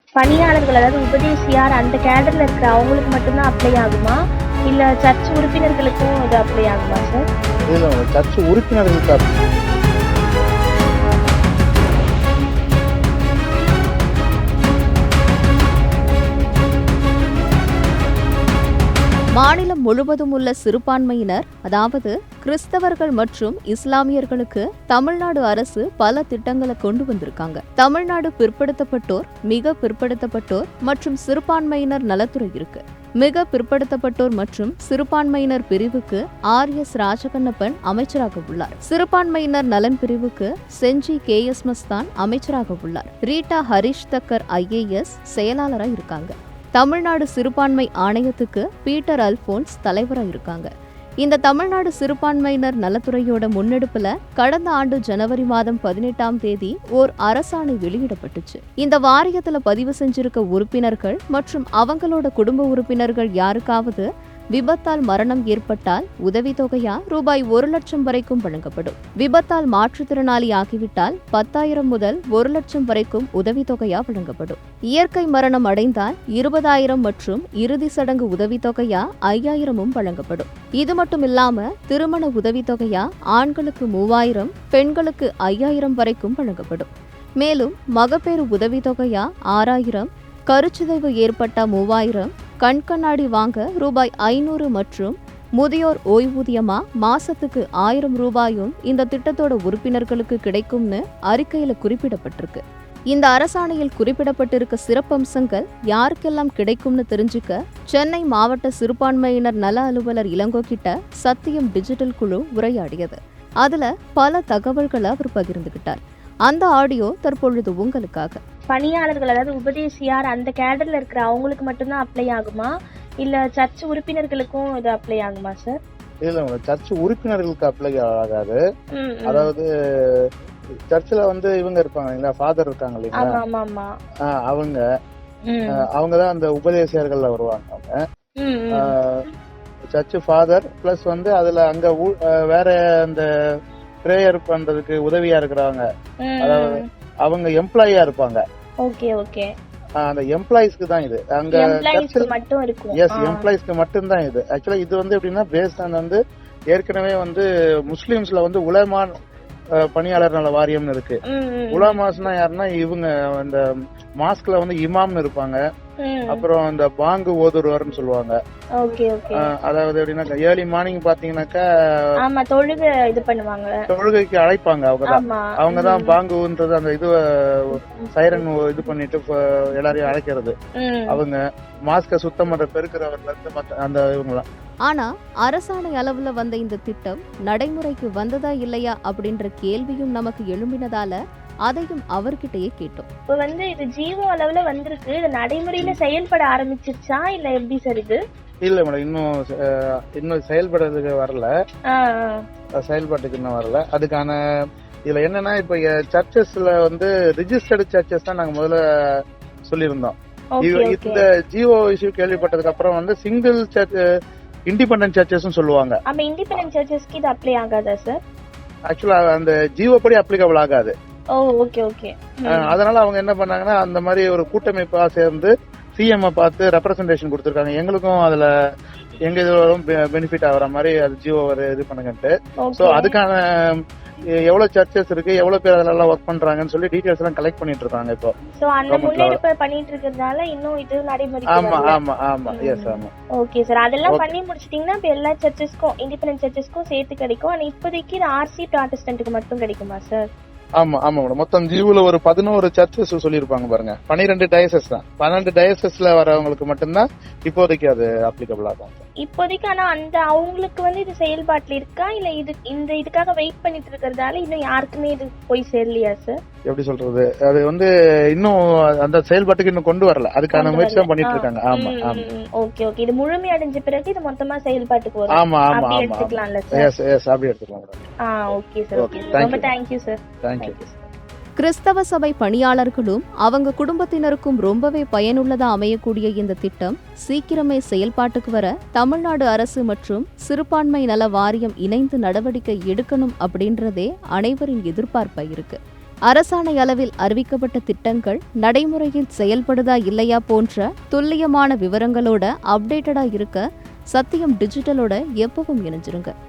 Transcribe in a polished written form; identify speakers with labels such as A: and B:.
A: பணியாளர்கள் அதாவது உபதேசியார் அந்த கேடர்ல இருக்கிற அவங்களுக்கு மட்டும்தான் அப்ளை ஆகுமா? இல்ல சர்ச் உறுப்பினர்களுக்கும் இது அப்ளை ஆகுமா சார்?
B: இல்ல சர்ச் உறுப்பினர்களுக்கு
C: மாநிலம் முழுவதும் உள்ள சிறுபான்மையினர், அதாவது கிறிஸ்தவர்கள் மற்றும் இஸ்லாமியர்களுக்கு தமிழ்நாடு அரசு பல திட்டங்களை கொண்டு வந்திருக்காங்க. தமிழ்நாடு பிற்படுத்தப்பட்டோர், மிக பிற்படுத்தப்பட்டோர் மற்றும் சிறுபான்மையினர் நலத்துறை இருக்கு. மிக பிற்படுத்தப்பட்டோர் மற்றும் சிறுபான்மையினர் பிரிவுக்கு RS ராஜகண்ணப்பன் அமைச்சராக உள்ளார். சிறுபான்மையினர் நலன் பிரிவுக்கு செஞ்சி KS மஸ்தான் அமைச்சராக உள்ளார். ரீட்டா ஹரிஷ் தக்கர் IAS செயலாளராக இருக்காங்க. தமிழ்நாடு சிறுபான்மை ஆணையத்துக்கு பீட்டர் அல்போன்ஸ் தலைவராக இருக்காங்க. இந்த தமிழ்நாடு சிறுபான்மையினர் நலத்துறையோட முன்னெடுப்புல கடந்த ஆண்டு ஜனவரி மாதம் 18ஆம் தேதி ஓர் அரசாணை வெளியிடப்பட்டுச்சு. இந்த வாரியத்துல பதிவு செஞ்சிருக்க உறுப்பினர்கள் மற்றும் அவங்களோட குடும்ப உறுப்பினர்கள் யாருக்காவது விபத்தால் மரணம் ஏற்பட்டால் உதவித்தொகையா ரூபாய் 1 லட்சம் வரைக்கும் வழங்கப்படும். விபத்தால் மாற்றுத்திறனாளி ஆகிவிட்டால் 10,000 முதல் 1 லட்சம் வரைக்கும் உதவித்தொகையா வழங்கப்படும். இயற்கை மரணம் அடைந்தால் 20,000 மற்றும் இறுதி சடங்கு உதவித்தொகையா 5,000 வழங்கப்படும். இது மட்டும் இல்லாம திருமண உதவித்தொகையா ஆண்களுக்கு 3,000, பெண்களுக்கு 5,000 வரைக்கும் வழங்கப்படும். மேலும் மகப்பேறு உதவித்தொகையா 6,000, கருச்சிதைவு ஏற்பட்ட 3,000, கண்கண்ணாடி வாங்க ரூபாய் 500 மற்றும் முதியோர் ஓய்வூதியமா மாசத்துக்கு 1,000 ரூபாயும் இந்த திட்டத்தோட உறுப்பினர்களுக்கு கிடைக்கும்னு அறிக்கையில குறிப்பிடப்பட்டிருக்கு. இந்த அரசாணையில் குறிப்பிடப்பட்டிருக்க சிறப்பம்சங்கள் யாருக்கெல்லாம் கிடைக்கும்னு தெரிஞ்சுக்க சென்னை மாவட்ட சிறுபான்மையினர் நல அலுவலர் இளங்கோ கிட்ட சத்தியம் டிஜிட்டல் குழு உரையாடியது. அதுல பல தகவல்களை அவர் பகிர்ந்துகிட்டார். அந்த ஆடியோ தற்பொழுது உங்களுக்காக.
A: பணியாளர்கள் அதாவது உபதேசியார் அந்த கேடர்ல இருக்கிற அவங்களுக்கு மட்டும்தான் அப்ளை ஆகுமா? இல்ல சர்ச் உறுப்பினர்களுக்கும் இது அப்ளை ஆகுமா சார்?
B: இல்ல சர்ச் உறுப்பினர்களுக்கு அப்ளை ஆகாது. அதாவது சர்ச்சில் இவங்க இருப்பாங்க இல்லையா, ஃபாதர் இருக்காங்க இல்லைங்களா, அவங்கதான் அந்த உபதேசியர்கள்ல வருவாங்க. அவங்க சர்ச் ஃபாதர் பிளஸ் அதுல அங்க வேற அந்த பிரேயர் பண்றதுக்கு உதவியா இருக்கிறவங்க, அதாவது அவங்க எம்ப்ளாயியா இருப்பாங்க. அந்த எம்ப்ளாயிஸ்க்கு தான் இது. அங்க எம்ப்ளாயிஸ்க்கு மட்டும் தான் இது. ஆக்சுவலா இது எப்படின்னா பேஸ்ட் ஆன் ஏற்கனவே முஸ்லிம்ஸ்ல உலமா பணியாளர் நல வாரியம்னு இருக்கு. உலமாஸ்னா யாருன்னா இவங்க அந்த மாஸ்க்ல இமாம்னு இருப்பாங்க. அப்புறம் அந்த பாங்கு ஓதுருவார்னு சொல்லுவாங்க. அதாவது எப்படின்னா ஏர்லி மார்னிங் பாத்தீங்கன்னாக்கா தொழுகைக்கு அழைப்பாங்க. அவங்கதான் பாங்குன்றது அந்த இது சைரன் இது பண்ணிட்டு எல்லாரையும் அழைக்கிறது. அவங்க மாஸ்க சுத்தம் பண்ற பெருக்கிறவர்ல இருந்து அந்த இவங்கலாம்.
C: ஆனா அரசாணை அளவுல வந்த இந்த திட்டம் நடைமுறைக்கு வந்ததா இல்லையா அப்படின்ற கேள்வியும் நமக்கு எழும்பினதால அதையும் அவர்கிட்டயே கேட்டோம்.
A: இப்ப இது ஜீவோ அளவுல வந்திருக்கு, இது நடைமுறையில செயல்பட ஆரம்பிச்சிருச்சா இல்ல எப்படி சார் இது?
B: இல்ல மேடம், இன்னும் செயல்படுறதுக்கு வரல, செயல்பாட்டுக்கு இன்னும் வரல. அதுக்கான இதுல என்னன்னா இப்ப சர்ச்சஸ்ல ரிஜிஸ்டர்டு சர்ச்சஸ் தான் நாங்க முதல்ல சொல்லியிருந்தோம். இந்த ஜிஓ இஷ்யூ கேள்விப்பட்டதுக்கு அப்புறம் சிங்கிள் சர்ச் இண்டிபெண்டன்ட் சர்ச்சஸ் சொல்லுவாங்க.
A: அப்ப இண்டிபெண்டன்ட் சர்ச்சஸ்க்கு இது அப்ளை ஆகாதா சார்?
B: ஆக்சுவலா அந்த ஜிஓ படி அப்ளிகபிள் ஆகாது.
A: அதனால
B: அவங்க என்ன பண்ணாங்கன்னா அந்த மாதிரி ஒரு கூட்டமைப்பா சேர்ந்து சிஎம் பார்த்து ரெப்ரசன்டேஷன் கொடுத்திருக்காங்க. எங்களுக்கும் அதுல எங்க இதுவரும் பெனிஃபிட் ஆகிற மாதிரி அது ஜிஓ இது பண்ணுங்கன்ட்டு. சோ அதுக்கான எவ்வளவு சர்ச்சஸ் இருக்கு, எவ்வளவு பேர் அதெல்லாம் ஒர்க் பண்றாங்கன்னு சொல்லி டீடைல்ஸ் எல்லாம் கலெக்ட் பண்ணிட்டு இருக்காங்க. இப்போ
A: சோ அந்த முன்னெடுப்பு பண்ணிட்டு இருக்கிறதால இன்னும் இது நடைமுறைக்கு
B: ஆமா ஆமா ஆமா எஸ் ஆமா.
A: ஓகே சார், அதெல்லாம் பண்ணி முடிச்சிட்டீங்கன்னா இப்ப எல்லா சர்ச்சஸ்க்கும் இண்டிபெண்டன்ட் சர்ச்சஸ்க்கும் சேர்த்து கிடைக்கும். ஆனா இப்போதைக்கு RC ப்ராட்டஸ்டன்ட்க்கு மட்டும் கிடைக்குமா சார்?
B: ஆமா ஆமா மேடம். மொத்தம் ஜீவுல ஒரு 11 சர்ச்சஸ் சொல்லிருப்பாங்க பாருங்க. 12 டயசஸ் தான். 12 டயசஸ்ல வரவங்களுக்கு மட்டும்தான் இப்போதைக்கு அது அப்ளிகபிள் ஆகும்
A: இப்போதைக்கு. ஆனா அந்த அவங்களுக்கு இது செயல்பாட்டுல இருக்கா இல்ல இதுக்காக வெயிட் பண்ணிட்டு இருக்கிறதால இன்னும் யாருக்குமே இது போய் சேரலையா சார்?
B: எப்படி சொல்றது, அது இன்னும் அந்த செயல்பாட்டுக்கு இன்னும் கொண்டு வரல. அதுக்கான முயற்சி தான் பண்ணிட்டு இருக்காங்க. ஆமா ஆமா.
A: Okay okay. இது முழுமை அடைஞ்ச பிறகு இது மொத்தமா செயல்பாட்டுக்கு வரும்.
B: ஆமா ஆமா ஆமா.
A: எடுத்துக்கலாம்ல சார்?
B: எஸ் எஸ் அப்படி எடுத்துக்கலாம் மேடம்.
A: Okay sir. ஓகே, ரொம்ப thank you sir.
B: Thank you.
C: கிறிஸ்தவ சபை பணியாளர்களும் அவங்க குடும்பத்தினருக்கும் ரொம்பவே பயனுள்ளதா அமையக்கூடிய இந்த திட்டம் சீக்கிரமே செயல்பாட்டுக்கு வர தமிழ்நாடு அரசு மற்றும் சிறுபான்மை நல வாரியம் இணைந்து நடவடிக்கை எடுக்கணும் அப்படின்றதே அனைவரின் எதிர்பார்ப்பா இருக்கு. அரசாணை அளவில் அறிவிக்கப்பட்ட திட்டங்கள் நடைமுறையில் செயல்படுதா இல்லையா போன்ற துல்லியமான விவரங்களோட அப்டேட்டடா இருக்க சத்தியம் டிஜிட்டலோட எப்பவும் இணைஞ்சிருங்க.